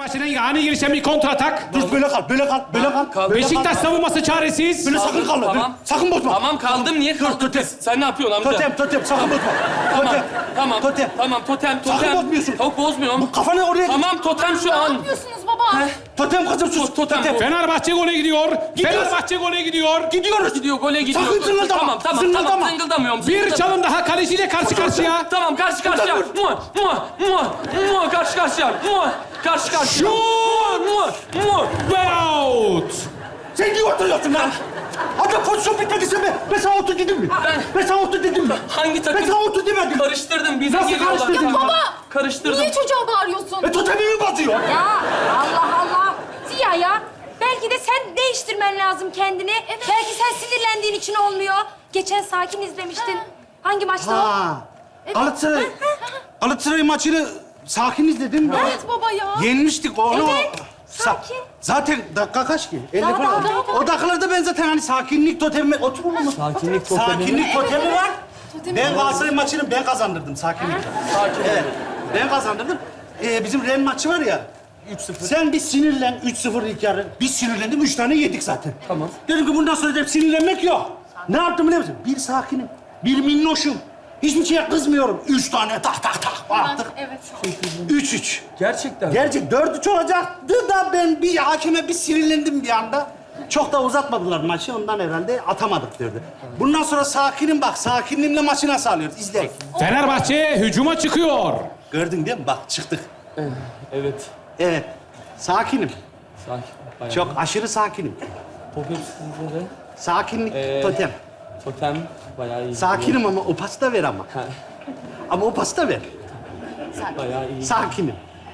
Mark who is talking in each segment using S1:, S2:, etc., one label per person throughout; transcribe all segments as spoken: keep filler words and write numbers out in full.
S1: Fenerbahçe'den ani gelişen bir kontratak.
S2: Dur böyle kal, böyle kal, böyle kal.
S3: Kal.
S2: Böyle
S1: Beşiktaş
S2: kal.
S1: savunması çaresiz.
S2: Böyle sakın kalma.
S3: Tamam.
S2: Böyle, sakın bozma.
S3: Tamam kaldım. Niye kaldın?
S2: totem.
S3: Sen ne yapıyorsun amca?
S2: Totem, totem, sakın bozma.
S3: Tamam.
S2: Totem.
S3: Tamam.
S2: Totem.
S3: Tamam totem, totem.
S2: Sakın bozmuyorsun.
S3: Yok bozmuyorum.
S2: Bu kafanı oraya...
S3: Tamam totem şu
S4: Ne
S3: an.
S4: yapıyorsunuz baba?
S2: Totem kızım sus.
S3: Totem.
S2: Totem.
S1: Fenerbahçe gole gidiyor.
S2: Gidiyoruz.
S1: Fenerbahçe gole gidiyor.
S2: Gidiyoruz.
S3: Gidiyor gole gidiyor.
S2: Sakın zırıldama.
S3: Tamam tamam
S2: Zırıldama.
S3: tamam zıngıldamıyorum.
S1: Bir
S3: zıngıldamıyorum.
S1: çalım daha kaleciyle karşı karşıya.
S3: Tamam karşı karşıya. Mua mua mua mua karşı karşıya. Mua karşı karşıya. Mua mua mua.
S1: Ve out.
S2: Sen niye oturuyorsun lan? Hadi pozisyon bitmedi sen be. Ben sana otur dedim mi?
S3: Ben-
S2: Ben sana otur dedim mi?
S3: Hangi takım?
S2: Ben sana otur demedim.
S3: Karıştırdım. Bize
S2: Nasıl
S3: geliyorlar.
S2: karıştırdın?
S4: Ya baba!
S3: Karıştırdım.
S4: Niye çocuğa bağırıyorsun?
S2: E totemimi bozuyor.
S5: Ya Allah Allah. Ziya ya. Belki de sen değiştirmen lazım kendini. Belki sen sinirlendiğin için olmuyor. Geçen Sakin izlemiştin. Hangi maçta o?
S2: Ha. Galatasaray. Galatasaray maçını sakin izledim.
S4: Evet baba ya.
S2: Yenmiştik onu.
S5: Evet,
S2: Sa-
S5: sakin.
S2: Zaten dakika kaç ki? elli
S5: Daha,
S2: falan.
S5: daha, daha.
S2: O dakikalarda ben zaten hani sakinlik totemi... Otur oğlum.
S3: Sakinlik totemi.
S2: Sakinlik totemi var.
S4: Totemi
S2: Ben
S4: var.
S2: Galatasaray maçını ben kazandırdım sakinlikle.
S3: Sakin.
S2: Evet. Ben kazandırdım. Ee, bizim Ren maçı var ya.
S3: üç sıfır.
S2: Sen bir sinirlen, üç sıfır ilk yarı. Biz sinirlendim, üç tane yedik zaten.
S3: Tamam.
S2: Dedim ki bundan sonra dedim, sinirlenmek yok. Ne yaptım biliyor musun? Bir sakinim, bir minnoşum. Hiçbir şeye kızmıyorum. Üç tane tak tak tak attık.
S4: Evet.
S2: Üç üç.
S3: Gerçekten.
S2: Gerçek dört üç olacaktı da ben bir hakeme bir sinirlendim bir anda. Çok da uzatmadılar maçı, ondan herhalde atamadık derdi. Bundan sonra sakinim bak, sakinliğimle maçı nasıl alıyoruz? İzle.
S1: Fenerbahçe hücuma çıkıyor.
S2: Gördün değil mi? Bak çıktık.
S3: Evet.
S2: Evet, sakinim.
S3: Sakin. Bayağı.
S2: Çok aşırı sakinim.
S3: Top hepsinde de.
S2: Sakinlik
S3: Ee,
S2: totem.
S3: Totem bayağı iyi.
S2: Sakinim ama o pası da ver ama.
S3: Ha,
S2: Ama o pası da ver.
S3: bayağı iyi.
S2: Sakinim.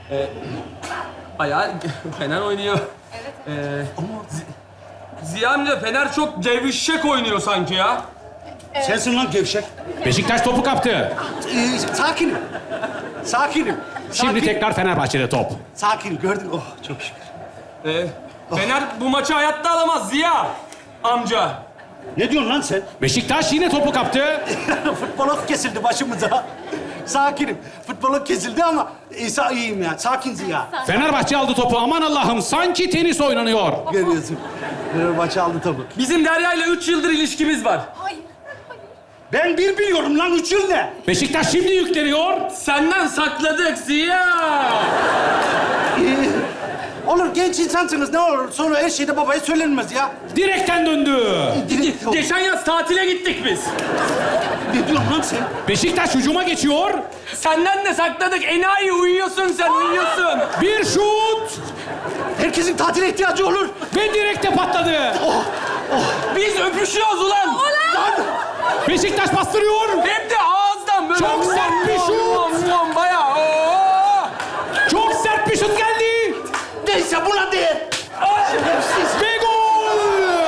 S3: Bayağı Fener oynuyor. Evet. Ee, Ziya amca Fener çok cevişek oynuyor sanki ya.
S2: Sensin lan gevşek.
S1: Beşiktaş topu kaptı.
S2: Ee, sakinim. Sakinim.
S1: Şimdi
S2: Sakin.
S1: tekrar Fenerbahçe'de top.
S2: Sakin gördün. Oh çok şükür.
S3: Ee, Fener bu maçı hayatta alamaz Ziya amca.
S2: Ne diyorsun lan sen?
S1: Beşiktaş yine topu kaptı.
S2: Futbolok kesildi başımıza. Sakinim. Futbolok kesildi ama İsa iyiyim ya. Sakin Ziya.
S1: Fenerbahçe aldı topu. Aman Allah'ım sanki tenis oynanıyor.
S2: Görüyorsun. Fenerbahçe aldı tabii.
S3: Bizim Derya ile üç yıldır ilişkimiz var.
S4: Hayır.
S2: Ben bir biliyorum lan. Üç yıl ne?
S1: Beşiktaş şimdi yükleniyor.
S3: Senden sakladık Ziya.
S2: Ee, olur genç insansınız ne olur. Sonra her şeyde babaya söylenmez ya.
S1: Direkten döndü.
S2: Direkt-
S3: Geçen yaz tatile gittik biz.
S2: Ne diyorsun lan sen?
S1: Beşiktaş hücuma geçiyor.
S3: Senden de sakladık. Enayi uyuyorsun sen, uyuyorsun.
S1: Bir şut
S2: Herkesin tatile ihtiyacı olur.
S1: ve direkte patladı.
S3: Biz öpüşüyoruz ulan.
S1: Beşiktaş bastırıyor.
S3: Hem de ağızdan böyle.
S1: Çok sert bir şut.
S3: Muam, muam, bayağı. Oo.
S1: Çok sert bir şut geldi.
S2: Neyse buna değil. Şerefsiz.
S1: Ve gol.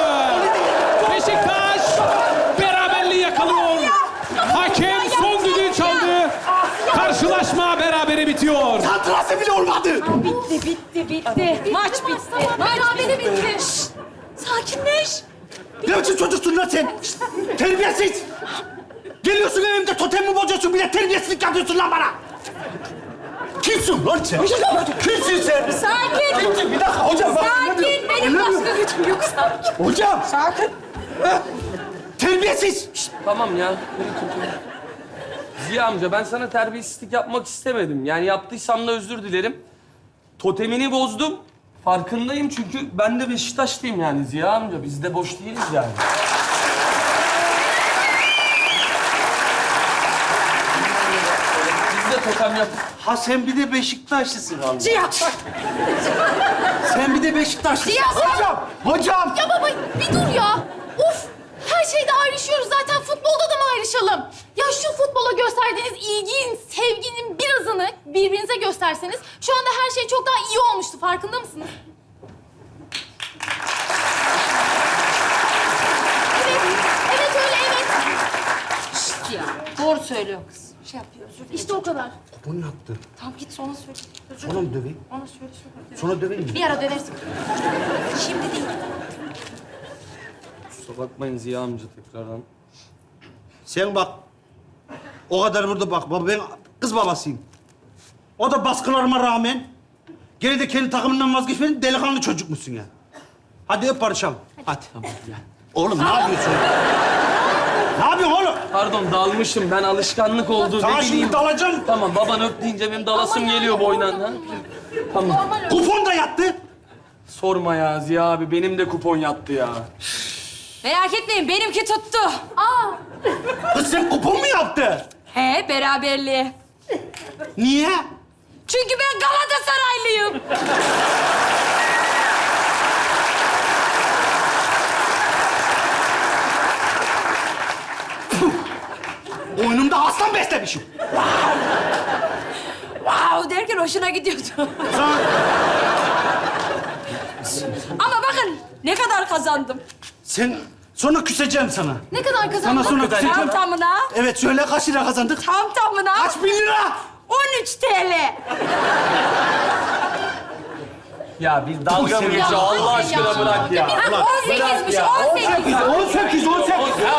S1: Beşiktaş beraberliği yakalıyor. Hakem son düdüğü çaldı. Karşılaşma berabere bitiyor.
S2: Santrası bile olmadı.
S5: Bitti, bitti, bitti. Maç bitti.
S4: Tamam, berabere bitti. Şşt, sakinleş.
S2: Ne biçim çocuksun lan sen? Şşt, terbiyesiz. Geliyorsun evimde totemimi bozuyorsun. Bir de terbiyesizlik yapıyorsun lan bana. Kimsin lan sen? Kimsin sen?
S5: Sakin.
S2: Kimsin? Bir dakika hocam. bak, ne
S5: Sakin.
S2: diyorum?
S5: Benim
S2: Anlamıyorum.
S5: başka gücüm yok. Sakin.
S2: Hocam. Sakin. Terbiyesiz. Şşt,
S3: Tamam ya. Ziya amca ben sana terbiyesizlik yapmak istemedim. Yani yaptıysam da özür dilerim. Totemini bozdum. Farkındayım çünkü ben de Beşiktaşlıyım yani Ziya amca. Biz de boş değiliz yani. Biz de totem yap.
S2: Ha sen bir de Beşiktaşlısın abi.
S5: Ziya bak.
S2: Sen bir de Beşiktaşlısın.
S4: Ziya, sen-
S2: Hocam. Hocam.
S4: Ya baba bir dur ya. Uf. Her şeyde ayrışıyoruz zaten. Futbolda da mı ayrışalım? Ya şu futbola gösterdiğiniz ilginin, sevginin birazını birbirinize gösterseniz şu anda her şey çok daha iyi olmuştu. Farkında mısınız? Evet. Evet öyle evet.
S5: Şşt ya. Doğru söylüyor kız. Şey yapıyor, özür dilerim.
S4: İşte o kadar.
S2: Bu ne yaptı?
S5: Tamam git sonra söyle. Özür
S2: Sonra mı döveyim?
S5: Ona söyle, söyle.
S2: Sonra döveyim mi?
S5: Bir ara döversin. Şimdi değil.
S3: Kusura bakmayın Ziya amca tekrardan.
S2: Sen bak. O kadar burada bak. Baba ben kız babasıyım. O da baskılarıma rağmen Gene de kendi takımından vazgeçmedin, delikanlı çocuk musun ya? Hadi öp barışalım. Hadi. Oğlum ne yapıyorsun? Ne yapıyorsun oğlum?
S3: Pardon dalmışım. Ben alışkanlık oldu.
S2: Sana
S3: ne
S2: şimdi
S3: bileyim.
S2: dalacağım.
S3: Tamam baban öp deyince benim dalasım geliyor boynan. Ha? Tamam.
S2: Kupon da yattı.
S3: Sorma ya Ziya abi. Benim de kupon yattı ya.
S5: Merak etmeyin benimki tuttu.
S4: Aa,
S2: Kız sen kupon mu yaptı?
S5: He beraberliği.
S2: Niye?
S5: Çünkü ben Galatasaraylıyım.
S2: Oyunumda aslan beslemişim.
S5: Wow derken hoşuna gidiyordu.
S2: Sana...
S5: Ama bakın ne kadar kazandım.
S2: Sen... Sonra küseceğim sana.
S4: ne kadar
S2: Sana
S4: kazandın?
S2: sonra
S3: kadar?
S2: küseceğim.
S5: Tam tamına,
S2: Evet söyle kaç lira kazandık?
S5: tam tamına
S2: Kaç bin lira?
S5: on üç T L.
S3: Ya bir dalga mı
S2: Dur,
S3: geçiyor?
S4: ya.
S3: Allah aşkına
S4: Ya.
S3: bırak ya.
S5: Ha, on sekizmiş,
S3: ya.
S5: on sekiz.
S2: on sekiz, on sekiz.
S1: Ya